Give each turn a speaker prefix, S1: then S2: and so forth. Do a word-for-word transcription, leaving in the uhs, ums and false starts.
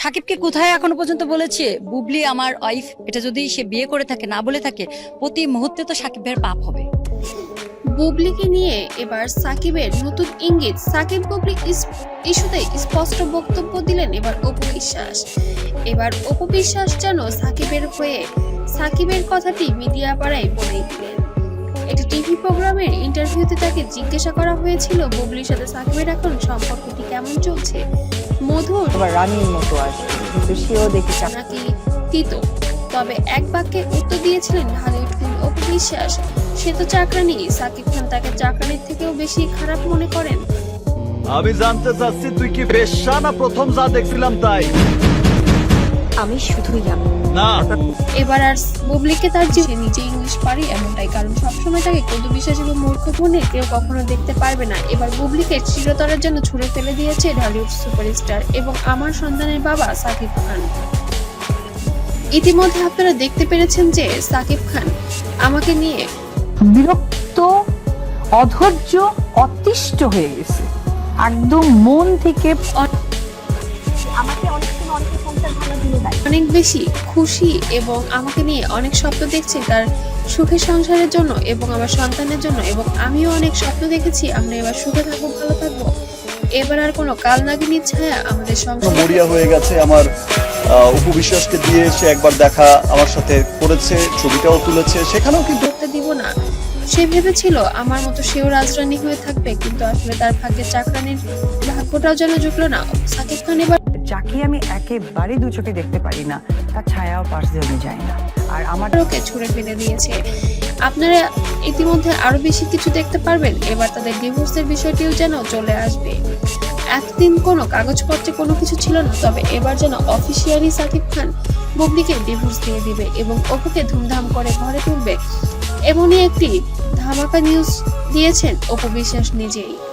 S1: সাকিবকে কোথায় এখনো পর্যন্ত বলেছে বুবলি আমার ওয়াইফ, এটা যদি সে বিয়ে করে থাকে না বলে থাকে প্রতি মুহূর্তে তো সাকিবের পাপ হবে।
S2: বুবলিকে নিয়ে এবার সাকিবের নতুন ইঙ্গিত, সাকিব বুবলি ইস্যুতে স্পষ্ট বক্তব্য দিলেন এবার অপু বিশ্বাস। এবার অপু বিশ্বাস যেন সাকিবের হয়ে সাকিবের কথাটি মিডিয়া পাড়ায় বলেই দিলেন। একটি টিভি প্রোগ্রামের ইন্টারভিউতে তাকে জিজ্ঞাসা করা হয়েছিল বুবলির সাথে সাকিবের এখন সম্পর্কটি কেমন চলছে, মধুর
S3: রানীর মতো আসবে, কিন্তু সেও দেখি
S2: নাকি তিতো। তবে এক বাক্যে উত্তর দিয়েছিলেন ঢালিউড কুইন অপু বিশ্বাস, সে তো চাকরানি, সাকিব খান তাকে চাকরানির থেকেও বেশি খারাপ মনে করেন।
S4: আমি জানতে চাচ্ছি তুই কি বেশ্যা না প্রথম যা দেখছিলাম তাই?
S3: আমি শুধুই আমি
S4: না,
S2: এবার আর বুবলিকে তার যে সে নিজে ইংলিশ পারে এমনটাই, কারণ সবসময় তাকে কদু বিশ্বাস এবং মূর্খ মনে কেউ কখনো দেখতে পারবে না। এবার বুবলিকে চিরতরের জন্য ছুড়ে ফেলে দিয়েছে ঢালিউড সুপারস্টার এবং আমার সন্তানের বাবা সাকিব খান। ইতিমধ্যে আপনারা দেখতে পেরেছেন যে সাকিব খান আমাকে নিয়ে
S3: বিরক্ত, অধৈর্য, অতিষ্ঠ হয়ে গেছে একদম মন থেকে। আমাকে অনেক সময় অনেক সংসার ভালো দিলে দেয়,
S2: অনেক বেশি খুশি এবং আমাকে নিয়ে অনেক স্বপ্ন দেখছে তার সুখের সংসারের জন্য এবং আমার সন্তানের জন্য, এবং আমিও অনেক স্বপ্ন দেখেছি আমরা এবার সুখে থাকবো, ভালো থাকবো। এবার আর কোনো কাল নাগিনীর ছায়া আমাদের সংসারে
S5: মরিয়া হয়ে গেছে। আমার অপু বিশ্বাসকে দিয়ে সে একবার দেখা আমার সাথে করেছে, ছবিটাও তুলেছে, সেখানেও কিন্তু
S2: করতে দিব না। সে ভেবেছিল আমার মতো সেও রাজরানী হয়ে থাকবে, কিন্তু আসলে তার ভাগ্যে চাকরানির ভাগ্যটাও যেন জুটলো না। সাকিব খান এবার
S3: যাকে আমি একেবারে দু চোখে দেখতে পারি না তার ছায়াও পাশ দিয়ে আমি যাই না, আর আমার
S2: ওকে ছুড়ে ফেলে দিয়েছে। আপনারা ইতিমধ্যে আরো বেশি কিছু দেখতে পারবেন। এবার তাদের ডিভোর্সের বিষয়টিও যেন চলে আসবে। এতদিন কোনো কাগজপত্রে কোনো কিছু ছিল না, তবে এবার যেন অফিসিয়ালি সাকিব খান বুবলিকে ডিভোর্স দিয়ে দিবে এবং অপুকে ধুমধাম করে ঘরে তুলবে, এমনই একটি ধামাকা নিউজ দিয়েছেন অপু বিশ্বাস নিজেই।